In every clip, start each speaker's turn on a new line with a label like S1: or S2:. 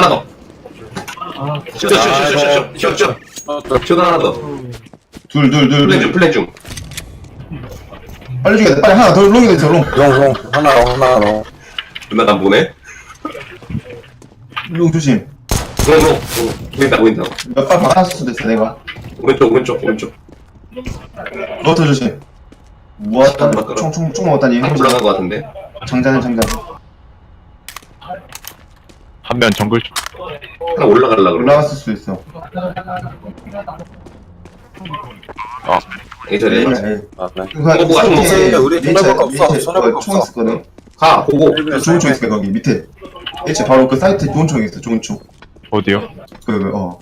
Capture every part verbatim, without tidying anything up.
S1: 하나 더. 쇼, 쇼, 쇼, 쇼, 쇼, 쇼, 쇼. 쇼도 하나 더.
S2: 둘, 둘, 둘,
S1: 플랜 중,
S2: 둘.
S1: 플랜 중.
S2: 빨리 죽여야 돼. 빨리 하나 더 롱이 됐어, 롱.
S3: 롱, 롱. 하나, 하나, 롱.
S1: 누나 난 보네.
S2: 롱 조심.
S1: 롱, 롱, 롱. 보인다, 보인다.
S2: 몇 발 박았을 수도 있어, 내가.
S1: 오른쪽, 오른쪽, 오른쪽.
S2: 너더 조심. 모았다.
S1: 안 바꿔라.
S2: 총, 총, 총 먹었다니.
S1: 한 올라간 것 같은데.
S2: 장전해, 장전.
S4: 한 면 정글
S1: 하나 올라가려고 그러네.
S2: 올라갔을 수도 있어.
S1: 예전에.
S2: 네.
S3: 아, 그래.
S2: 그거
S1: 이거 뭐가 좀
S3: 없어. 우리 손해볼 거 없어. 손해볼 거
S2: 총
S3: 없어.
S2: 있었거든.
S1: 가, 보고.
S2: 좋은 총 있을 거야, 거기 밑에. 일체 바로 그 사이트에 좋은 총이 있어, 좋은 총.
S4: 어디요?
S2: 그, 그, 어.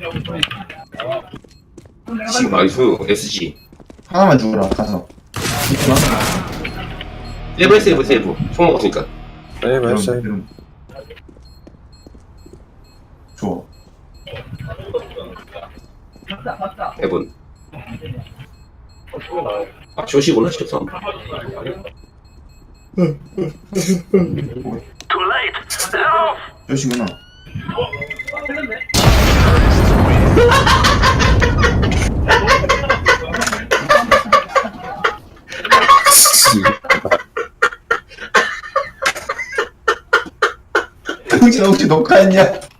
S1: 씨, 나이스. 에스지.
S2: 하나만 죽어라, 가서. 있구나.
S1: 세이브, 세이브, 세이브. 총 먹었으니까.
S3: 세이브,
S2: 이런,
S3: 세이브.
S2: 이런. 좋아.
S1: 해본. 아, 쇼시구나, 쇼삼.
S2: 몇시구나. 흥진아 혹시 녹화했냐?